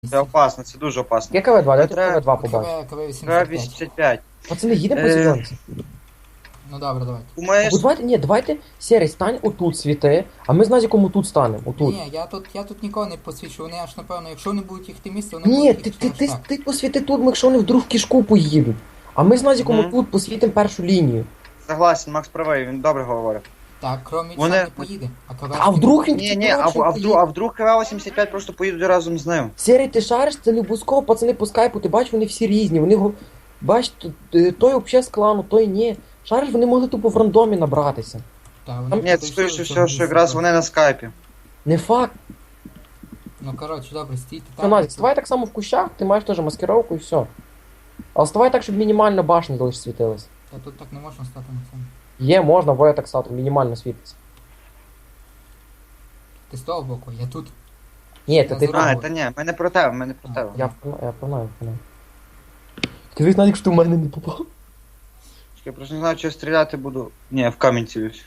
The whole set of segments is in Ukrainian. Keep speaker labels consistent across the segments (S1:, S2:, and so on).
S1: Це опасно, це дуже опасно.
S2: Є КВ-2, давайте
S1: Треба-
S2: КВ-2 побачимо.
S1: Треба
S3: 85.
S1: 85.
S2: Пацани, їдемо по зеленці.
S3: Ну добре, давайте.
S1: Думаєш?
S2: Або давайте, Серий, стань отут світи, а ми з Назіком отут станемо, отут.
S3: Ні, я тут нікого не посвічу, вони аж напевно, якщо вони будуть їхати місце, вони
S2: Ні,
S3: будуть їхати аж так.
S2: ти посвіти тут, якщо вони вдруг в кишку поїдуть. А ми з Назіком
S1: Мгм.
S2: отут посвітимо першу лінію.
S1: Согласен, Макс правий, він добре говорить.
S3: Так, крім
S1: Вони-
S3: не поїде, а КВ...
S2: А вдруг він
S1: Ні, а вдруг КВ-85 просто поїдуть разом з ним.
S2: Серий, ти шариш, це не обов'язково, пацани по скайпу, ти бачиш, вони всі різні, бач, той взагалі з клану, той ні. Шариш, вони могли тупо в рандомі набратися.
S3: Так, вони
S1: Ні,
S3: тут
S1: скоріше
S3: йшли в
S1: все,
S3: цьому
S1: що якраз
S3: місці.
S1: вони на скайпі.
S2: Не факт.
S3: Ну коротше, добре, стійте
S2: Що,
S3: там.
S2: Назік, ставай так само в кущах, ти маєш теж маскировку і все. Але ставай так, щоб мінімально башня лише світилась.
S3: Та тут так не можна стати на цьому.
S2: Є, можна, воя так стати, мінімально світиться.
S3: Ти з того боку, я тут.
S2: Ні, та ти...
S3: Здорово.
S1: А, та ні, ми не про тебе, ми не про тебе.
S2: Я погнаю. Скажи, Назік, що ти в мене не попав.
S1: Я просто не знаю, чи я стріляти буду. Ні, в камінь цілюсь.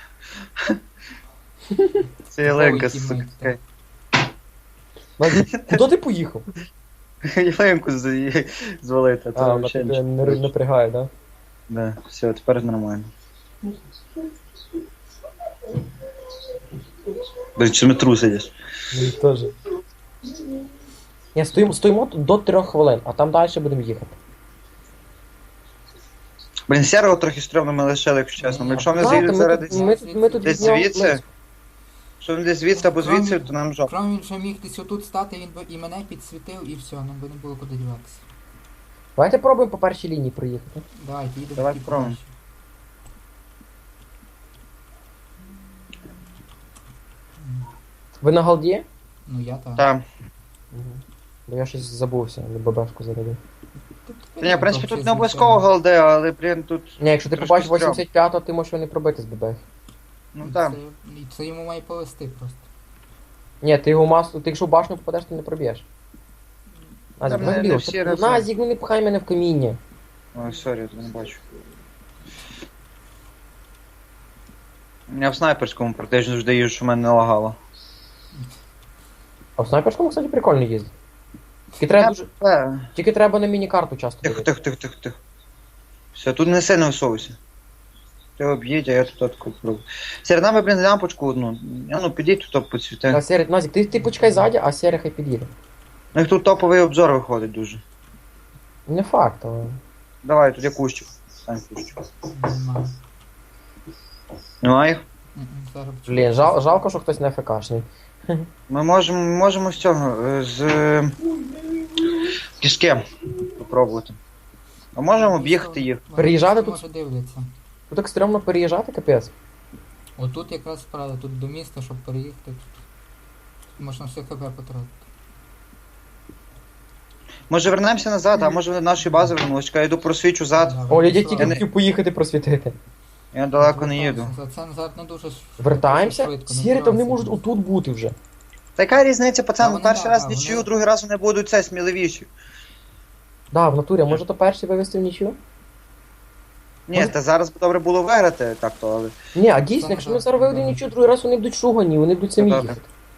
S1: Це Єленка,
S3: Ой,
S1: сука.
S3: тімейт,
S2: Назік, куди ти поїхав?
S1: Єленку звалити, а то
S2: А,
S1: взагалі
S2: тебе
S1: нічого.
S2: не напрягає, да?
S1: Да, все, тепер нормально. Блін, чи ми трусидиш?
S2: Мені теж. Ні, стоїмо тут до 3 хвилин, а там далі будемо їхати.
S1: Блін, сірого трохи стрьомно ми лишили, якщо чесно. Якщо вони
S2: Знаєте,
S1: заїдуть зараз десь
S2: ми тут
S1: десь
S2: від нього
S1: звідси,
S2: близько.
S1: якщо вони десь звідси або звідси, то нам жопа.
S3: Крім він ще міг десь отут стати, він би і мене підсвітив, і все, нам би не було куди діватися.
S2: Давайте пробуємо по першій лінії проїхати.
S3: Давайте, їдемо.
S1: Давай
S3: тільки
S1: спробуємо.
S3: подальше.
S2: Ви на галді?
S3: Ну я так.
S1: Так.
S2: Бо я щось забувся, ББшку зарядив.
S1: Та ні, в принципі, тут не обов'язково голде, але, блін, тут.
S2: Ні, якщо ти
S1: Трошки
S2: побачиш
S1: стрьом.
S2: 85-го, ти можеш його не пробити з ББ.
S1: Ну так.
S3: Це йому має повести просто.
S2: Ні, ти його масу, ти якщо в башню попадеш, ти не проб'єш. Назік,
S1: Та не
S2: Назік,
S1: всі разом.
S2: Назік, ну не пхай мене в каміння.
S1: Ой, сорі, я тебе не бачу. Я в снайперському практично завжди їжджу, що в мене не лагало.
S2: А в снайперському, кстати, прикольно їздить. Тільки треба на міні-карту часто
S1: Тихо,
S2: дивитися.
S1: тихо, тихо, тихо, тихо. Все, тут не сильно висовуйся. Ти об'їдь, а я тут таку пробую. Серед нами, блін, лямпочку одну. Ну, підіть тут підсвіти.
S2: А Серед, Назік, ти почекай ззаді, а Серія хай під'їде.
S1: Ну, їх тут топовий обзор виходить дуже.
S2: Не факт, але...
S1: Давай, тут я кущик. Стань кущик.
S3: Нема.
S1: Ну, а їх?
S3: Зараз
S2: Блін, жалко, що хтось не ФКшний.
S1: Ми можемо з цього, з кішки попробувати. А можемо об'їхати їх.
S2: Переїжджати тут?
S3: Може дивляться.
S2: Тут так стрьомно переїжджати, капець.
S3: Отут якраз правда, тут до міста, щоб переїхати. Тут можна все ХП потратити.
S1: Може вернемося назад, а може вони до нашої бази вернулись. Чекай, я йду просвічу зад.
S3: Добре,
S2: Оля, я
S3: пішла.
S2: тільки хотів поїхати просвітити.
S1: Я далеко не їду.
S3: За це назад не дуже
S2: Вертаємося?
S3: швидко, не
S2: Сірі, то вони
S3: вбивайся.
S2: можуть отут бути вже.
S1: Та яка різниця,
S3: Та
S1: пацан,
S3: вони,
S1: перший
S3: да,
S1: раз
S3: вони-
S1: нічию, другий раз вони будуть це сміливіші.
S2: Да, в натурі, а може то перший вивести в нічю?
S1: Ні, та зараз б добре було виграти, так то, але.
S2: Ні, а дійсно,
S3: Це
S2: якщо
S3: не
S2: ми зараз виведемо нічю, другий раз вони будуть шугані, вони будуть самі
S1: Та-та.
S2: їхати.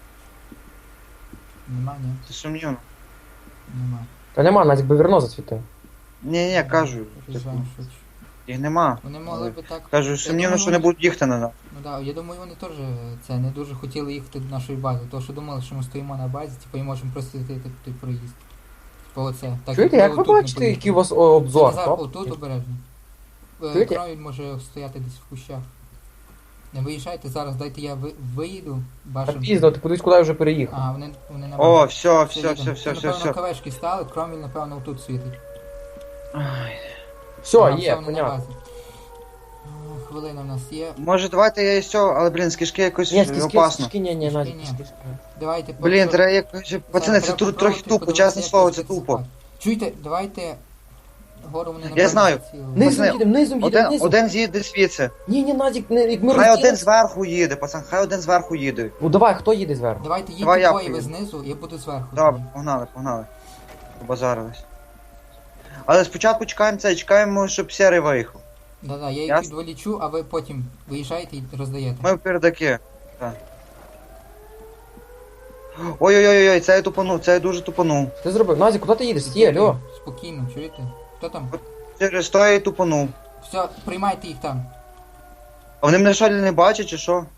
S3: Нема, ні.
S1: Це сумнівно.
S3: Нема.
S2: Та нема, Назік би вірно зацвітив.
S1: Ні, кажу.
S3: Приїжджаємо швидше.
S1: Їх нема.
S3: Вони могли би так.
S1: Кажу, сумнівно,
S3: думаю,
S1: що не
S3: вони-
S1: будуть їхати на нас.
S3: Ну да, я думаю, вони теж це не дуже хотіли їхати до нашої бази, тому що думали, що ми стоїмо на базі, типу, і можемо просто йти той проїзд. Типу оце. Так,
S2: Чуєте,
S3: ми
S2: як ви
S3: отут не
S2: бачите,
S3: поїхали.
S2: який у вас обзор?
S3: Назар,
S2: Топ?
S3: отут обережно.
S2: Чуєте?
S3: Кровіль може стояти десь в кущах. Не виїжджайте зараз, дайте я виїду.
S2: Та
S3: Башен.
S2: пізно, ти кудись куди вже переїхав.
S3: Ага, вони на
S1: О,
S3: базі.
S1: все,
S3: Все,
S1: все,
S3: їдемо.
S1: все, все,
S3: Це,
S1: все,
S3: напевно,
S1: все.
S3: кавешки стали, Кроміль, напевно, отут світить.
S1: Ай.
S2: Все,
S3: Ага,
S2: є,
S3: вони на
S2: понятно.
S3: базі. Хвилина в нас є.
S1: Може, давайте я і все, але, блін, з кишки якось
S2: Ні, скільки,
S1: опасно.
S2: ні,
S3: Кишки
S2: Назік,
S3: ні.
S2: скільки.
S3: Давайте
S1: Блін, треба якось. Пацани, це
S3: Треба
S1: тут трохи
S3: попробувати,
S1: тупо,
S3: подивитися,
S1: чесне
S3: як
S1: слово,
S3: це
S1: це тупо.
S3: засипати. Чуєте, давайте гору вони
S1: Я знаю.
S2: Низом
S1: Пацани,
S2: їдемо, низом їдемо, низом.
S1: Один з'їде звідси.
S2: Ні, Назік, як ми
S1: Хай один
S2: розділимося.
S1: зверху їде, пацан, хай один зверху їде.
S2: Ну давай, хто їде зверху?
S3: Давайте
S1: Давай я
S3: їдьте двоє ви
S1: поїду.
S3: знизу, я буду зверху.
S1: Добре, погнали. Побазарились. Але спочатку чекаємо, щоб серий виїхав.
S3: Да-да, я їх
S1: Ясно.
S3: підволічу, а ви потім виїжджаєте і роздаєте.
S1: Ми в передаки. Так. Ой-ой-ой, це я тупанув, це я дуже тупанув.
S2: Ти зробив? Назік, куди ти їдеш? Стій, алло.
S3: Спокійно, чуєте? Хто там?
S1: Через то я і тупанув.
S3: Все, приймайте їх там.
S1: А вони мене що не бачать чи що?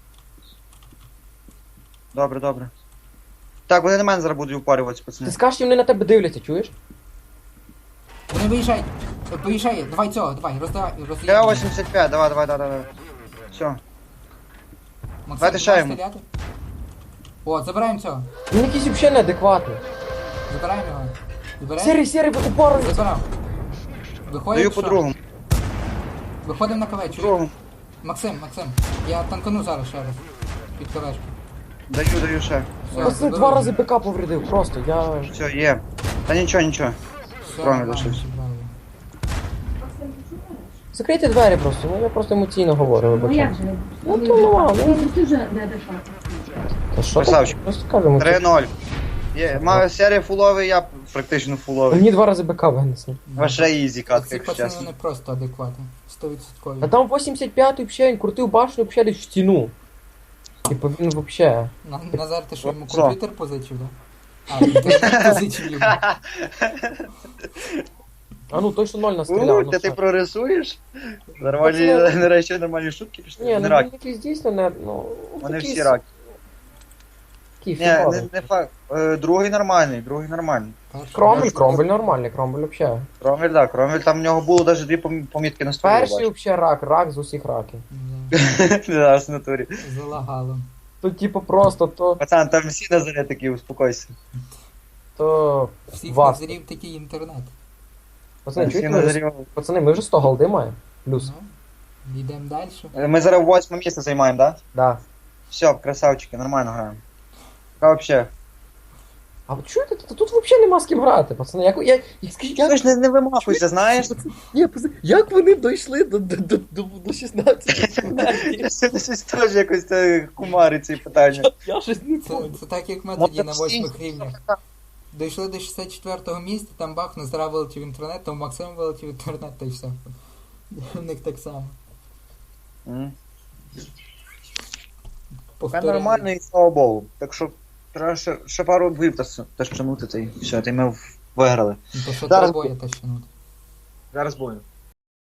S1: Добре, добре. Так, вони на мене зараз будуть упарюватися,
S2: Ти
S1: пацани.
S2: скажеш, що вони на тебе дивляться, чуєш?
S3: Вони виїжджають. Поїжджає, давай цього, давай, роздавай,
S1: Я
S3: роздавай.
S1: 85, давай. Все.
S3: Максим,
S1: давайте ще
S3: давай
S1: йому.
S3: стріляти. О, забираємо цього.
S2: Він якийсь взагалі неадекватний.
S3: Забираємо його. Забираємо.
S2: Сірий, ви упорили.
S3: Забрав. Виходимо,
S1: Даю
S3: що?
S1: по-другому.
S3: Виходимо на КВ, чуєш?
S1: По-другому.
S3: Максим, я танкану зараз ще раз. Під КВшку.
S1: Даю ще.
S3: Все,
S2: Пацани,
S3: заберу.
S2: 2 рази БК повредив, просто, я...
S1: Все, є. Та нічого.
S3: Все,
S1: Кроме
S3: нормально,
S1: лишився.
S3: забрали.
S2: Закрийте двері просто, ну я просто емоційно говорю,
S4: Ну
S2: вибачте.
S4: як же?
S2: Ну, то ладно.
S4: Ти вже неадекватно.
S2: Та що
S1: Красавчик.
S2: ти? Просто кажемо.
S1: 3-0. Є. Маю серія фуловий, я практично фуловий.
S2: Мені 2 рази БК винесли.
S1: Ваша ізі катка,
S3: Ці
S1: якщо
S3: пацани
S1: чесно.
S3: не просто адекватні. 100%.
S2: А там 85-й взагалі, він крутив башню взагалі десь в стіну. Типу він взагалі.
S3: Назар, ти що, йому
S1: Що?
S3: комп'ютер позичив, да? А, інтернет позичив йому.
S2: А ну точно 0 настріляв. Ну,
S1: Ти
S2: все.
S1: прорисуєш? Нормальні,
S2: Пацани-
S1: нарешті нормальні шутки пішли.
S2: Ні,
S1: Не
S2: ну
S1: рак.
S2: він якийсь дійсно не, ну...
S1: Вони
S2: такий
S1: всі раки.
S2: Такий
S1: Ні,
S2: фіговий.
S1: не факт. Другий нормальний.
S3: Перший.
S2: Кромвель нормальний, Кромвель взагалі.
S1: Кромвель, так, Кромвель, там в нього було навіть 2 помітки на столі.
S2: Перший взагалі рак з усіх раків.
S3: Да,
S1: Зараз в натурі.
S3: залагало.
S2: Тут типу просто
S1: Пацан, там всі на зарі такі, успокойся.
S2: то...
S3: Всіх
S2: Вас.
S3: назрів такий інтернет.
S2: Пацани,
S1: Всі
S2: чуєте,
S1: на
S2: ми,
S1: зарі.
S2: пацани, ми вже 100 голди маємо. Плюс.
S3: Ну, йдемо далі.
S1: Ми зараз 8 місце займаємо, так?
S2: Да.
S1: Все, красавчики, нормально граємо. А вообще?
S2: А от чуєте, тут взагалі нема з ким грати, пацани. Скажіть,
S1: Ти ж не вимахуйся, знаєш?
S2: Ні, пацани, як вони дійшли до 16?
S1: Щось теж якось кумарить ці питання.
S2: Я щось не
S3: Це так, як ми тоді на
S1: Може, всі-
S3: 8 рівнях. Дійшли до 64-го місця, там бах, Назара вилетів інтернет, там Максим вилетів інтернет, та й все. У них так само.
S1: Це
S3: Повторення.
S1: нормально і слава Богу. Так що треба ще пару двів тащанути, та й все, та й ми виграли.
S3: Ну, то що
S1: Зараз
S3: треба боя тащанути.
S1: Зараз будемо.